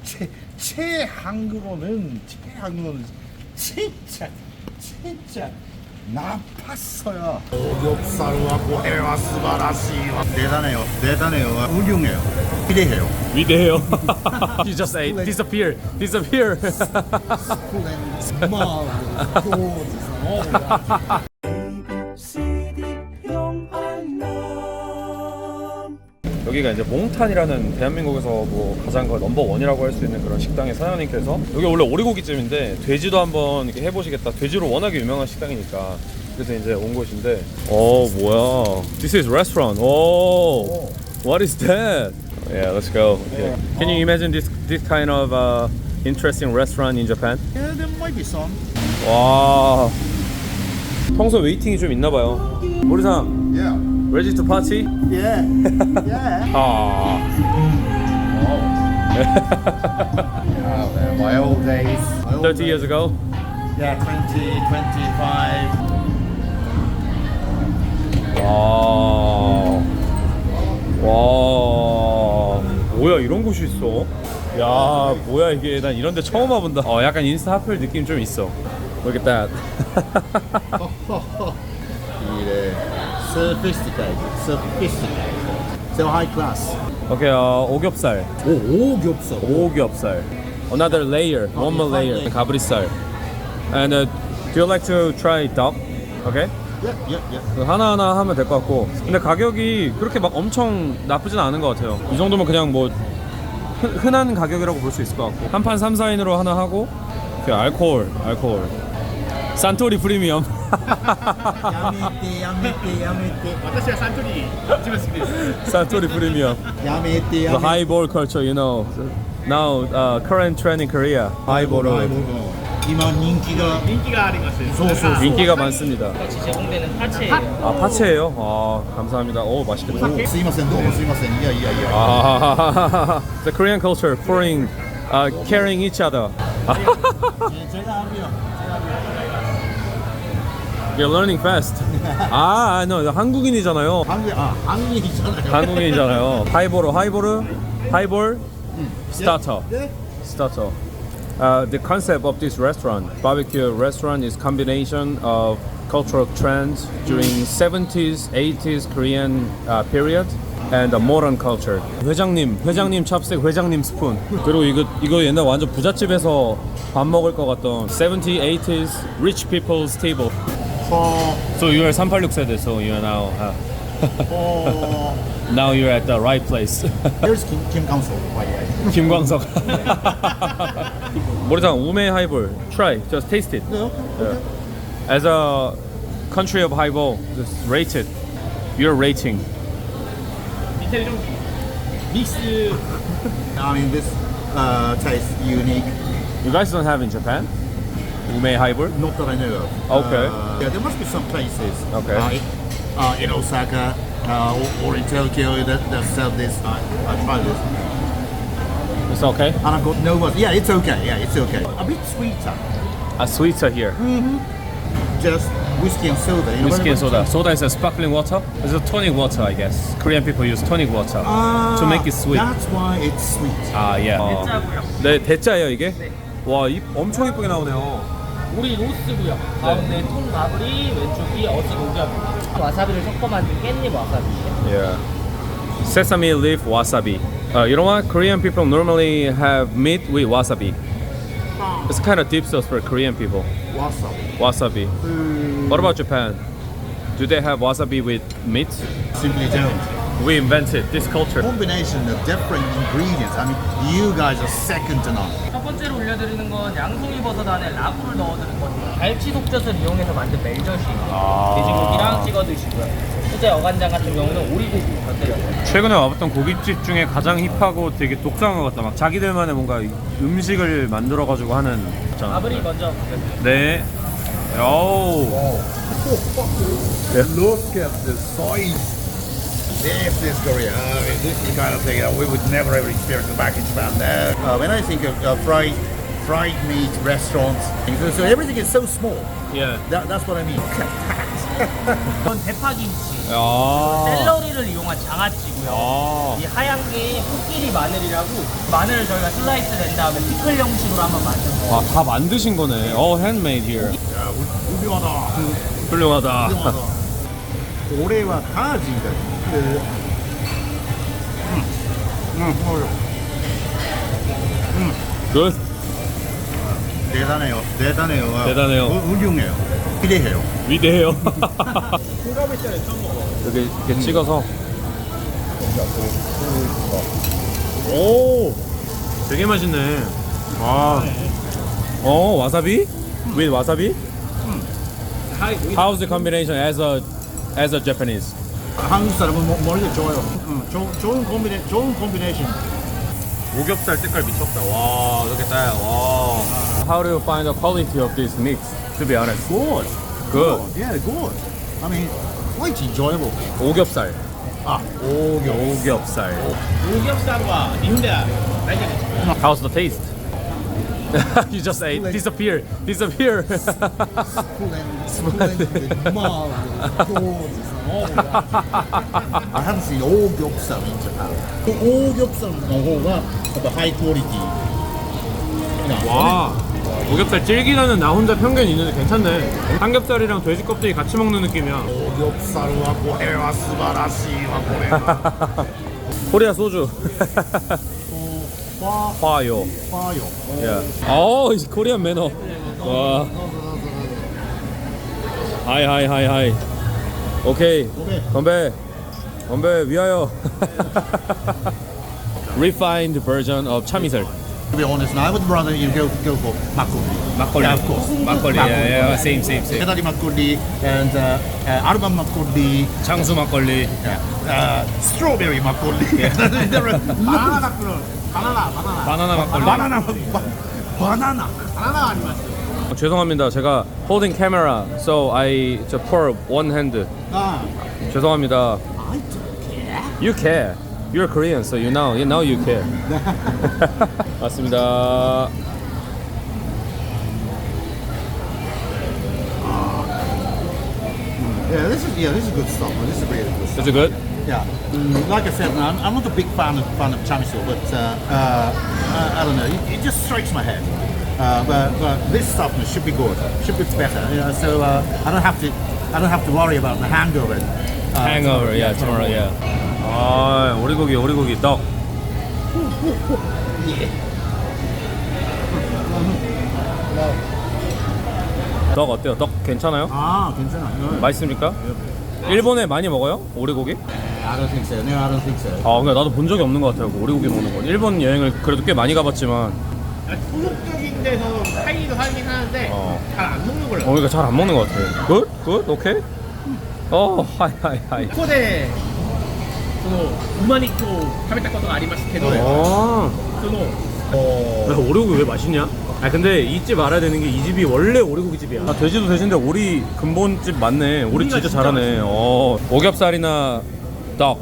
한국어는 진짜 나빴어요. 오겹살과 고해와 스바라시와 대단해요. 훌륭해요. 기대해요. 위대해요. You just ate. Disappear. 여기가 이제 몽탄이라는 대한민국에서 뭐 가장 넘버 원이라고 할 수 있는 그런 식당의 사장님께서 여기 원래 오리고기집인데 돼지도 한번 이렇게 해보시겠다. 돼지로 워낙에 유명한 식당이니까 그래서 이제 온 곳인데 뭐야? This is restaurant. What is that? Yeah, let's go. Okay. Can you imagine this kind of interesting restaurant in Japan? Yeah, there might be some. 와, 평소 웨이팅이 좀 있나 봐요. 모리상, Yeah. ready to party? Yeah. My old days. 30 years ago. Yeah, 20, 25. 와, 뭐야 이런 곳이 있어? 야, 뭐야 이게? 난 이런 데 처음 와본다. 약간 인스타 하플 느낌 좀 있어. Look at that. Sophisticated. So high class. 오케이, 오겹살. 오겹살. 오겹살. Another layer, one more layer. 가브리살. And do you like to try duck? Okay? Yeah. 하나하나 하면 될 것 같고. 근데 가격이 그렇게 막 엄청 나쁘진 않은 것 같아요. 이 정도면 그냥 뭐 흔한 가격이라고 볼 수 있을 것 같고. 한 판 3, 4인으로 하나 하고. 알코올. 산토리 프리미엄. 야메테. 산토리 프리미엄. The highball culture, you know. Now, current trend in Korea. highball. 이만 인기가 소소. 인기가 많습니다. 제공되는 파채예요. 파채예요. 감사합니다. 오, 맛있겠다. すいませんどうもすいませんいや The Korean culture, pouring, carrying each other. 제가 하고요. You're learning fast. no, 한국인이잖아요. 한국인이잖아요. 한국인이잖아요. 하이볼, starter. Starter. The concept of this restaurant, barbecue restaurant, is combination of cultural trends during 70s, 80s Korean period and the modern culture. 회장님 찹스틱, 회장님 스푼. 그리고 이거 옛날 완전 부잣집에서 밥 먹을 것 같던 70s, 80s rich people's table. So you are 386 세대, so you are now. Now you're at the right place. Here's Kim Council. 김광석. 모리상 우메 하이볼. Try, just taste it. Okay. As a country of highball, just rate it. Your rating. 디테일 좀 믹스. I mean, this tastes unique. You guys don't have in Japan? Ume highball? Not that I know of. Okay. Yeah, there must be some places. Okay. In Osaka or in Tokyo that sell this. I tried this. It's okay? And I've got no words. Yeah, it's okay. A bit sweeter. Sweeter here. Just whiskey and soda. You know, Whiskey and soda. Soda is a sparkling water. It's a tonic water, I guess. Korean people use tonic water to make it sweet. That's why it's sweet. Yeah. 대짜고요. 네, 대짜예요 이게? 와, 엄청 이쁘게 나오네요. 우리 로스고요. 가운데 통가브리, 왼쪽이 어지고기입니다. 와사비를 섞어 만든 깻잎 와사비예요. Yeah. Sesame leaf wasabi. You know what? Korean people normally have meat with wasabi. It's kind of deep sauce for Korean people. Wasabi. Wasabi. What about Japan? Do they have wasabi with meat? Simply don't. We invented this culture. Combination of different ingredients. I mean, you guys are second to none. 첫 번째로 올려드리는 건 양송이 버섯 안에 라구를 넣어드는 거예요. 갈치 속젓을 이용해서 만든 멜젓이에요. 돼지고기랑 찍어 드시고요. 수제 어간장 같은 경우는 오리고기 곁들여요. 최근에 와봤던 고깃집 중에 가장 힙하고 되게 독특한 것 같다. 막 자기들만의 뭔가 음식을 만들어가지고 하는. 가브리 먼저 보겠습니다. 네. 오. Look at the size. This is Korea. I mean, this is the kind of thing that we would never ever experience back in Japan. When I think of fried meat restaurants, so everything is so small. Yeah. That's what I mean. Look at that. 이건 대파김치. 아. 샐러리를 이용한 장아찌고요. 아. 이 하얀 게 코끼리 마늘이라고 마늘을 저희가 슬라이스 낸 다음에 피클 형식으로 한번 만든 거. 아, 다 만드신 거네. handmade here. 야, 훌륭하다. 훌륭하다. 훌륭하다. 올해와 강아지인가? Good. 대단해요. 대단해요. 대단해요. 훌륭해요. 기대해요. 위대해요. 여기 이렇게 찍어서. 오, 되게 맛있네. 아, 와사비? With wasabi? How's the combination as a Japanese? 한국 사람은 머리가 좋아요. 좋은 콤비네이션. 오겹살 색깔 미쳤다. 와, 이렇게 따요. 와. How do you find the quality of this mix? To be honest. Good. Good. Yeah, good. I mean, quite enjoyable. 오겹살. 아, 오겹살. 오겹살과 닌자. How's the taste? You just ate. Disappear. I haven't seen 오겹살 in Japan. 그 오겹살 노호가 the high quality. 와, 오겹살 질기라는 나 혼자 편견이 있는데 괜찮네. 삼겹살이랑 돼지 껍데기 같이 먹는 느낌이야. 오겹살하고 해와 스바라시와 고래. 코리아 소주. 화요. 화요. Yeah. 이제 코리안 매너. 와. 하이. 오케이. 건배 위하여. Refined version of 참이슬. To be honest, I would rather you go for makgeolli. 막걸리. Yeah, of course. 막걸리. Yeah, same. Kedari makgeolli and Arban makgeolli. 장수 막걸리. Strawberry makgeolli. There are banana. 죄송합니다. 제가 holding camera, so I just pour one hand. 죄송합니다. I don't care. You care. You're Korean, so you care. 맞습니다. Yeah, this is good stuff. This is really good stuff. Is it good? Yeah, like I said, I'm not a big fan of chamisul, but I don't know. It just strikes my head. But this stuff should be good. Should be better. You know, so I don't have to worry about the hangover. Hangover, yeah, tomorrow, yeah. 아, 오리고기 떡. 떡 어때요? 떡 괜찮아요? 괜찮아. 맛있습니까? 일본에 많이 먹어요? 오리고기? I don't think so. No, I don't think so. 그러니까 나도 본 적이 없는 것 같아요. 오리고기 먹는 건. 일본 여행을 그래도 꽤 많이 가봤지만, 소속적인 데서 하기도 하긴 하는데 잘 안 먹는 걸로. 그러니까 잘 안 먹는 것 같아요. Good? 오케이? 하이. ここでその馬肉を食べたことがありますけど、その 오리고기 왜 맛있냐? 근데 이 집 알아야 되는 게 이 집이 원래 오리고기 집이야. 돼지도 돼지인데 오리 근본집 맞네. 오리 진짜 잘하네. 오겹살이나 떡.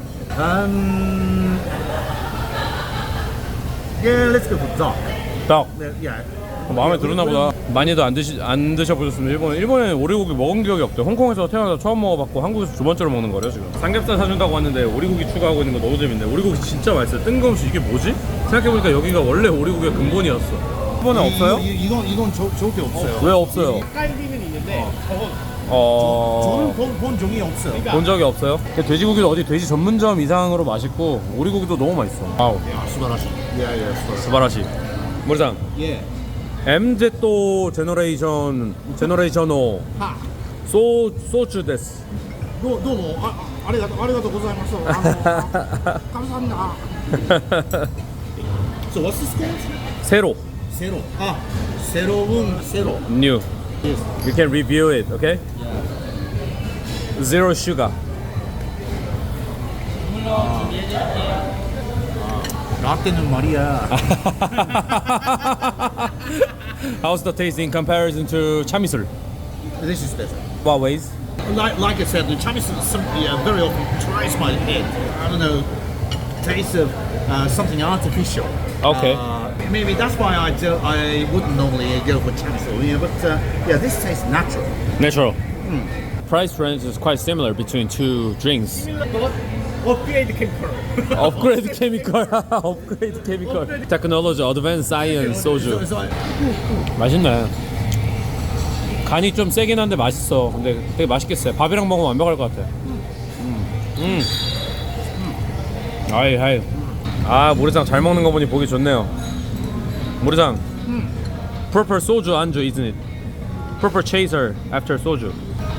Yeah, let's go for duck. 떡. Yeah. 마음에 들었나 보다. 많이도 안 드셔보셨으면 일본에 오리고기 먹은 기억이 없대요. 홍콩에서 태어나서 처음 먹어봤고 한국에서 두 번째로 먹는 거래요 지금. 삼겹살 사준다고 왔는데 오리고기 추가하고 있는 거 너무 재밌네. 오리고기 진짜 맛있어요. 뜬금없이 이게 뭐지? 생각해보니까 여기가 원래 오리고기가 근본이었어. 일본에 없어요? 이건 저게 없어요. 왜 없어요? 닭갈비는 있는데 저건 저는 본 적이 없어요. 본 적이 없어요? 돼지고기도 어디 돼지 전문점 이상으로 맛있고 오리고기도 너무 맛있어. 아우. 야, 스바라시. 예, 스바라시. 모리상. 예. MZ 제너레이션 5 하. 소주 데스. どうもありがとうございます감사합니다. So what's this called? 세로. 세로. 새로운 세로. New. Yes. You can review it, okay? Zero sugar. 라떼는 말이야. How's the taste in comparison to chamisul? This is better. What ways? Like I said, the Chinese very often tries my head. I don't know, taste of something artificial. Okay. Maybe that's why I wouldn't normally go for Chinese, but yeah, this tastes natural. Natural. price range is quite similar between two drinks. 업그레이드 캠퍼. Upgrade chemical, upgrade chemical. Technology, advanced science 소주. 맛있네. 간이 좀 세긴 한데 맛있어. 근데 되게 맛있겠어요. 밥이랑 먹으면 완벽할 것 같아. 아이 하이. 아 모래장 잘 먹는 거 보니 보기 좋네요. 모래장. Proper 소주 안주 isn't it? Proper chaser after 소주.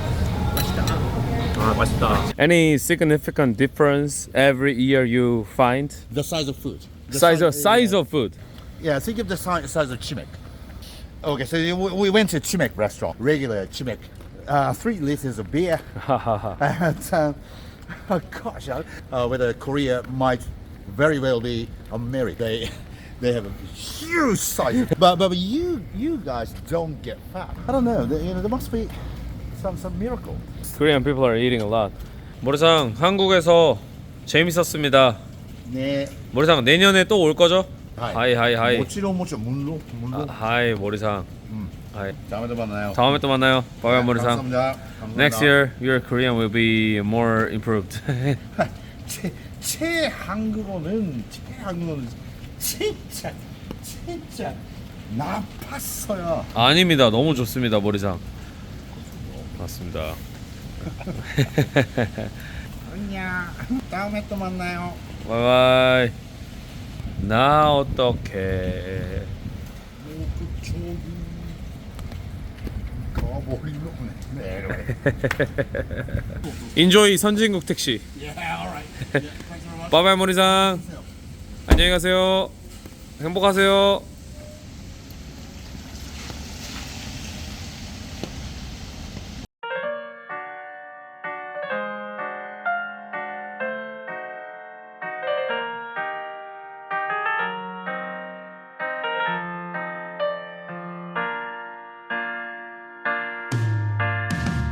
아 맛있다. Any significant difference every year you find? The size of food. The Size of food. Yeah, think of the size of Chimek. Okay, so we went to Chimek restaurant, regular Chimek. 3 liters of beer. And, oh gosh, whether Korea might very well be America. They have a huge size. but you guys don't get fat. I don't know. There must be some miracle. Korean people are eating a lot. 모래상 한국에서 재밌었습니다. 네. 모래상 내년에 또 올 거죠? 하이 하이 하이. 모치로 물론. 하이 모래상. 하이. 다음에 또 만나요. 다음에 또 만나요. 바이바이 모래상. 감사합니다. Next year your Korean will be more improved. 제 한국어는 진짜 나빴어요. 아닙니다. 너무 좋습니다 모래상. 맞습니다. 안녕. 다음에 또 만나요. 바이바이. 나 어떡해. 저기 거버리 네. 인조이 선진국 택시. Yeah, all right. Yeah, thanks very much. 바이바이 모리상. 안녕히 가세요. 행복하세요.